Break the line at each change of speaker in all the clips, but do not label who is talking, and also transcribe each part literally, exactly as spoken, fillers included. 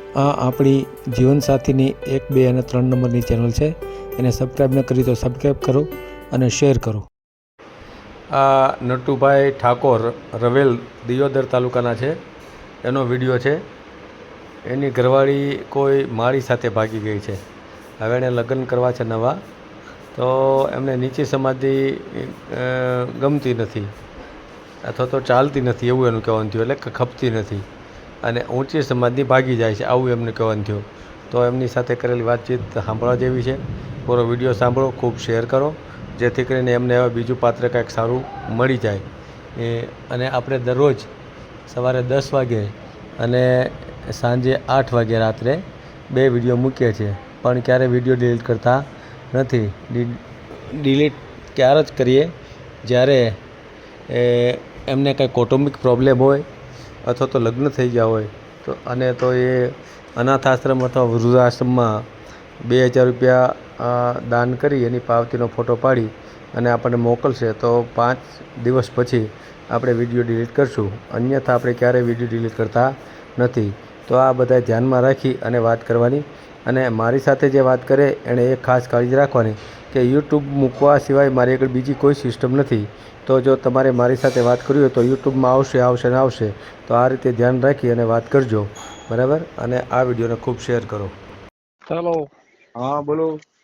આ આપણી જીવનસાથીની એક બે અને ત્રણ નંબરની ચેનલ છે. એને સબસ્ક્રાઈબ ન કરી તો સબસ્ક્રાઈબ કરો અને શેર કરો. આ નટુભાઈ ઠાકોર રવેલ દિયોદર તાલુકાના છે. એનો વિડીયો છે. એની ઘરવાળી કોઈ માળી સાથે ભાગી ગઈ છે. હવે એણે લગ્ન કરવા છે નવા, તો એમને નીચી સમાધિ ગમતી નથી અથવા તો ચાલતી નથી એવું એનું કહેવાનું થયું, એટલે ખપતી નથી અને ઊંચી સમાધિ ભાગી જાય છે આવું એમને કહેવાનું થયું. તો એમની સાથે કરેલી વાતચીત સાંભળવા જેવી છે. પૂરો વિડીયો સાંભળો, ખૂબ શેર કરો, જેથી કરીને એમને હવે બીજું પાત્ર કાંઈક સારું મળી જાય. એ અને આપણે દરરોજ સવારે દસ વાગે અને સાંજે આઠ વાગે રાત્રે બે વિડીયો મૂકીએ છીએ, પણ ક્યારેય વિડીયો ડિલીટ કરતા નથી. ડિલીટ ક્યારે જ કરીએ જ્યારે એમને કાંઈ કૌટુંબિક પ્રોબ્લેમ હોય અથવા તો લગ્ન થઈ ગયા હોય તો, અને તો એ અનાથ આશ્રમ અથવા વૃદ્ધાશ્રમમાં બે હજાર રૂપિયા દાન કરી એની પાવતીનો ફોટો પાડી અને આપણને મોકલશે તો પાંચ દિવસ પછી આપણે વિડીયો ડિલીટ કરશું. અન્યથા આપણે ક્યારેય વિડીયો ડિલીટ કરતા નથી. તો આ બધા ધ્યાનમાં રાખી અને વાત કરવાની. અને મારી સાથે જે વાત કરે એણે એ ખાસ કાળજી રાખવાની કે યુટ્યુબ મૂકવા સિવાય મારી આગળ બીજી કોઈ સિસ્ટમ નથી. તો જો તમારે મારી સાથે વાત કરવી હોય તો યુટ્યુબમાં આવશે આવશે ને આવશે. તો આ રીતે ધ્યાન રાખી અને વાત કરજો, બરાબર. અને આ વિડીયોને ખૂબ શેર કરો.
હેલો.
હા બોલો.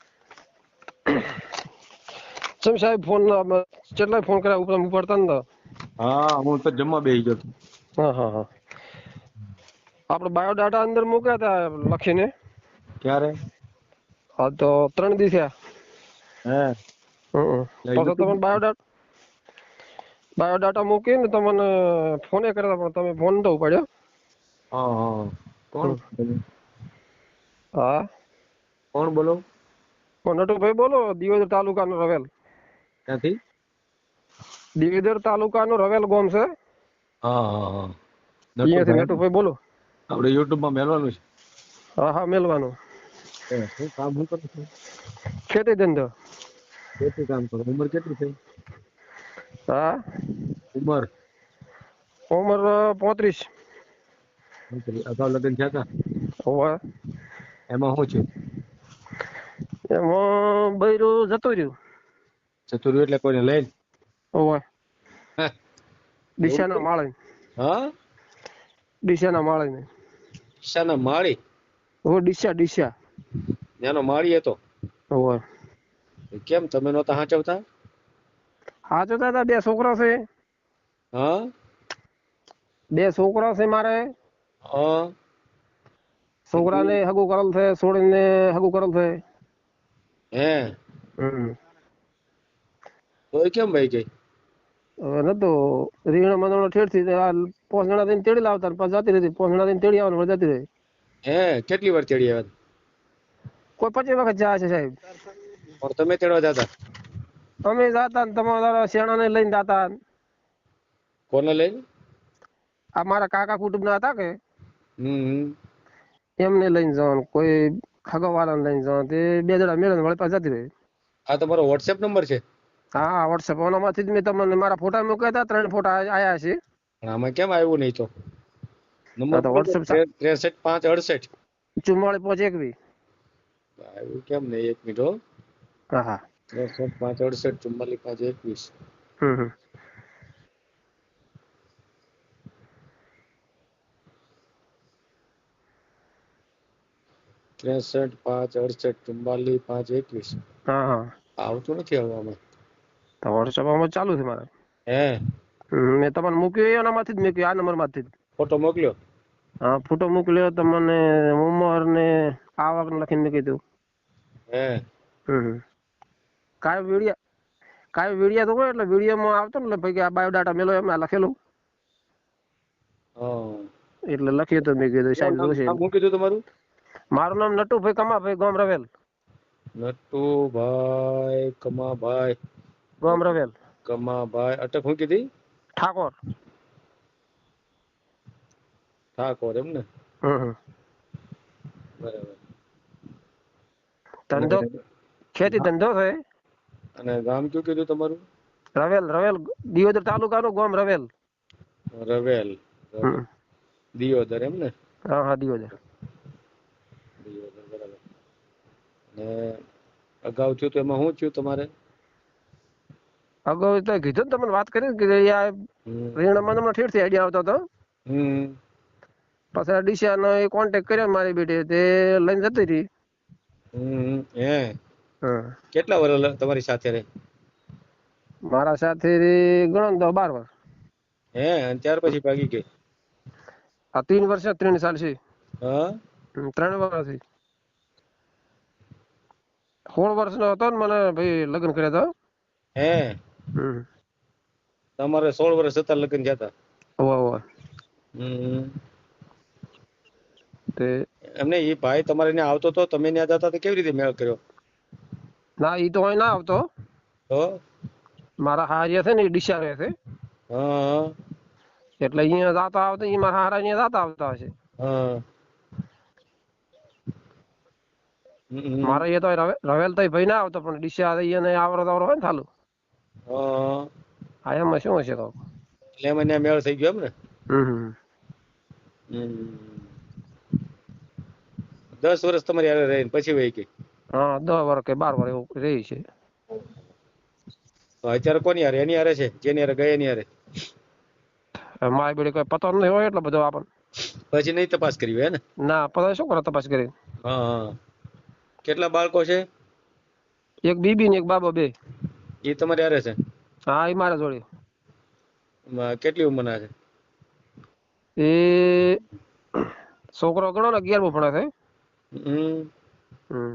સમ સાહેબ ફોન કેટલા ફોન કર્યા ઉપર ઉપાડતા ને?
હા હું તો જમવા બેસી ગયો હતો.
હા હા હા આપણે બાયોડાટા અંદર મૂક્યા હતા લખીને.
ક્યારે?
હા તો ત્રણ દિવસ થયા.
હે
હમ પછી તમે બાયોડાટા બાયોડાટા મૂકીને તમને ફોને કર્યા પણ તમે ફોન તો ઉપાડ્યો.
હા હા કોણ?
હા
કોણ બોલો?
નટુભાઈ બોલો, દિયોદર તાલુકાનો રવેલ.
ક્યાંથી?
દિયોદર તાલુકાનો રવેલ ગામ છે.
હા હા હા
અહીંયાથી
નટુભાઈ
નટુભાઈ બોલો.
આપણે યુટ્યુબમાં મેળવાનું છે.
હા હા મેલવાનું.
શું કામ શું કરો છો?
ખેતી ધંધો.
ખેતી કામ કરો. ઉંમર કેટલી થઈ?
હા
ઉંમર?
ઉંમર પોત્રીસ.
અગાઉ લગ્ન થયા હતા?
હોવે.
એમાં શું છે?
એમાં બૈરું જતું રહ્યું.
જતું રહ્યું એટલે કોઈને લઈને?
હોવે.
એવું
ડીસાના
કેમ?
માળે.
હા
ડીસાના માળે.
ડીસાના માળી?
ઓ ડીસા ડીસા.
ત્યાંનો માળી હતો?
હોવે.
કેમ તમે નહોતા સાચવતા?
સાચવતા હતા, બે છોકરા છે.
હા
બે છોકરા છે મારે.
હા
છોકરાને હગું કરેલ છે, છોડીને હગું કરેલ છે.
હે
હમ
તોય કેમ ભાઈ ગઈ?
હવે નતો રીંગણા મંદોણા ઠેરથી આ પાંચ જણા થઈને તેડી લાવતા ને પાછી જતી રહેતી. પાંચ જણા થઈને તેડી આવવાનું જતી રહી.
હે કેટલી વાર તેડી આવ્યા?
કોઈ પચીસ વખત જાય છે સાહેબ.
પણ તમે તેડવા જતા?
અમે જાતા ને તમારા શેણાને લઈને જાતા.
કોને લઈને?
આ મારા કાકા કુટુંબના હતા કે
હમ
એમને લઈને જવાનું, કોઈ ખગાવાળાને લઈને જવાનું. તે બે જણા મેળે વળી પાછી જતી રહી.
આ તમારો વોટ્સએપ નંબર છે?
હા વોટ્સએપ ઓનામાંથી જ મેં તમને મારા ફોટા મૂક્યા હતા. ત્રણ ફોટા આયા છે.
પણ આમાં કેમ આવ્યું નહીં? તો નંબર
હા તો
બોલો તો.
વોટ્સએપ
ત્રેસઠ પાંચ અડસઠ
ચુમ્માળીસ પાંચ એકવીસ.
આવ્યું કેમ નહીં? એક મિનિટ હો.
હા હા
ત્રેસઠ પાંચ અડસઠ ચુમ્માલીસ પાંચ એકવીસ.
હમ હમ
ત્રેસઠ પાંચ અડસઠ ચુમ્માલીસ પાંચ એકવીસ.
હા હા
આવતું નથી હવે આમાં.
તો વોટ્સએપ આમાં ચાલુ છે મારે.
હે
મેં તમને મૂક્યું એનામાંથી જ મૂક્યું, આ નંબરમાંથી જ.
ફોટો મોકલ્યો?
હા ફોટો મોકલ્યો તમને. ઉંમર ને આવક લખીને મૂકી દઉં.
હે
હમ કાંઈ વિડીયા કાંઈ વિડીયા તો હોય એટલે વિડીયોમાં આવતો ને ભાઈ કે આ બાયોડાટા મેલો એમાં લખેલું
હા
એટલે લખ્યું તો મેં કીધું
શું
સાહેબ
નામ
જોશે.
નામ શું કીધું તમારું?
મારું નામ નટુભાઈ કમાભાઈ, ગામ રવેલ.
નટુભાઈ કમાભાઈ
ગામ રવેલ.
કમાભાઈ અટક શું કીધી?
ઠાકોર.
ઠાકોર એમ ને?
હમ હમ
બરાબર.
ધંધો ખેતી ધંધો છે.
અને ગામ કયું કીધું તમારું?
રવેલ રવેલ દિયોદર તાલુકાનું ગામ રવેલ.
રવેલ.
હમ
દિયોદર એમ ને?
હા હા દિયોદર.
ને અગાઉ થયું તો એમાં શું થયું તમારે?
અગાઉ તો કીધું ને તમને વાત કરી ને કે યાર
હમ
રીણામાં તમને ઠેરથી આઈડિયા આવતો હતો.
હમ
પછી ડીસાનો એ કોન્ટેક્ટ કર્યો મારી બેટી, તે લઈને જતી રહી.
હમ હે
હા,
કેટલા વર્ષ તમારી સાથે રહે?
મારા સાથે ગણો ને તો બાર વર્ષ.
હે અને ત્યાર પછી ભાગી ગઈ?
આ ત્રણ વર્ષ ત્રણ સાલ છે.
હા
હમ, ત્રણ વર્ષથી સોળ વર્ષનો હતો ને મને ભાઈ લગ્ન કર્યા હતા.
હે
હમ
તમારે સોળ વર્ષ હતા લગ્ન થયા હતા?
હોવે હોવે.
હમ
તે
એમને એ ભાઈ તમારે ત્યાં આવતો તો, તમે ત્યાં જતા તો કેવી રીતે મેળ કર્યો?
ના ઈ તો અહીં ના આવતો.
તો
મારા હારિયા છે ને એ ડીસા રહે છે,
હા
એટલે અહીંયા જાતા આવતા ઈ મારા હારા અહીંયા જાતા આવતા હશે.
હા હમ
મારે એ તો રવે- રવેલ તો ભાઈ ના આવતો, પણ ડીસા અહીંયા આવરો તાવરો હોય ને ચાલુ.
હા
હા એમાં શું હશે કહું.
એટલે એમાં ત્યાં મેળ થઈ ગયો એમ ને?
હમ હમ.
હમ દસ વર્ષ તમારી હારે રહીને પછી વહી ગઈ?
હા દસ વર્ષ કે બાર વર્ષ એવું રહી છે.
તો અત્યારે કોની હારે? એની હારે છે જેની હારે ગઈ એની હારે?
હવે મારી બેડી કોઈ પતો નહીં હોય એટલો બધો આપણને.
પછી નહીં તપાસ કરી હોય હે ને?
ના પતો શું કરો તપાસ કરી.
હા હા કેટલા બાળકો છે?
એક બીબી ને એક બાબો, બે.
એ તમારી હારે છે?
હા એ મારા જોડે.
માં કેટલી ઉંમરના છે?
એ છોકરો ગણો ને અગિયારમું ભણે છે.
હમ
હમ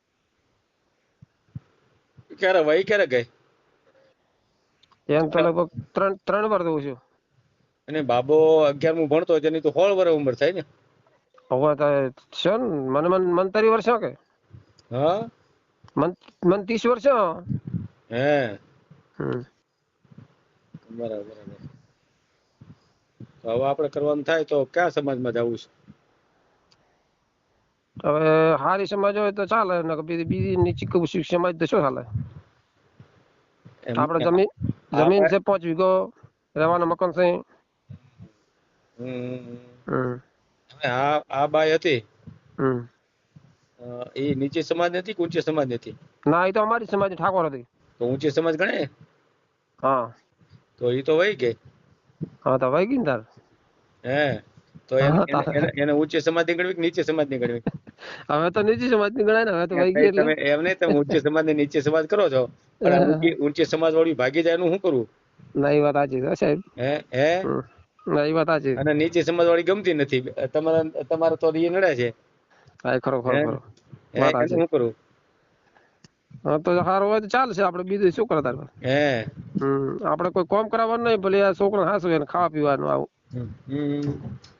ક્યારે વહી ક્યારે ગઈ?
એમ તો લગભગ ત્રણ ત્રણ વાર દઉં છું.
અને બાબો અગિયારમું ભણતો હોય તેની તો સોળ વર્ષ ઉંમર થાય ને?
હવે તો છે ને મને મન મંતરી વર્ષ કે
હા
મન મન ત્રીસ વર્ષ.
હે
હમ
બરાબર બરાબર. તો હવે આપણે કરવાનું થાય તો કયા સમાજમાં જવું છે?
હવે હારી સમાજ હોય તો ચાલે, ને બીજી બીજી નીચી કુશી સમાજ તો શું ચાલે.
એમ
આપણે જમીન જમીન છે પાંચ વીઘો, રહેવાના મકાન છે.
હમ
હમ
હવે આ આ બાઈ હતી
હમ
એ નીચે સમાજ નથી કે ઊંચે સમાજ નથી?
ના એ તો અમારી સમાજ ઠાકોર હતી.
તો ઊંચે સમાજ ગણે?
હા
તો એ તો વહી ગઈ.
હા તો વહી ગઈ ને તાર.
હે તો એને એને એને ઊંચે સમાજ ની ગણવી કે નીચે સમાજ ની ગણવી?
હવે તો નીચી સમાજ ની ગણાય ને, હવે તો વહી ગઈ એટલે.
તમે એમ નહીં, તમે ઊંચે સમાજ ને નીચે સમાજ કરો છો, પણ આ ઊંચી ઊંચે સમાજ વાળી ભાગી જાય એનું શું કરવું?
ના એ વાત સાચી છે સાહેબ.
હે હે
ના એ વાત સાચી.
અને નીચે સમાજ વાળી ગમતી નથી તમારા, તમારે તો એ નડે છે.
હા ખરો ખરો ખરો
હે
વાત
એનું
સાચી.
શું કરવું?
હા તો સારું હોય તો ચાલશે, આપણે બીજું શું કરે તાર.
હે
હમ આપણે કોઈ કોમ કરાવવાનું નહીં, ભલે આ છોકરા હાસુ એને ખાવા પીવાનું આવું.
હમ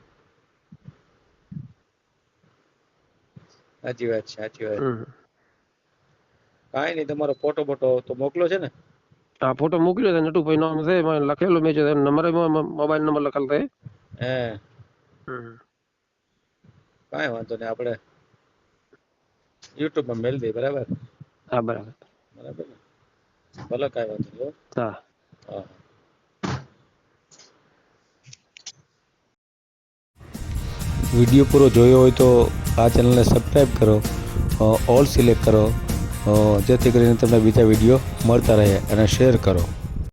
સાચી વાત છે સાચી વાત.
હમ
કાંઈ નહીં, તમારો ફોટો બોટો તો મોકલો છે ને?
હા ફોટો મોકલ્યો છે, નટુભાઈ નામ છે, લખેલું મેં છે, નંબર મોબાઈલ નંબર લખેલ છે.
હે
હમ
કાંઈ વાંધો નહીં, આપણે યુટ્યુબ માં મેલ દઈએ. બરાબર
હા બરાબર
બરાબર ને? ભલે કાંઈ વાંધો નહીં.
હા
હા
વિડીયો પૂરો જોયો હોય તો આ ચેનલને સબસ્ક્રાઈબ કરો, ઓલ સિલેક્ટ કરો, જેથી કરીને તમને બીજા વિડીયો મળતા રહે, અને શેર કરો.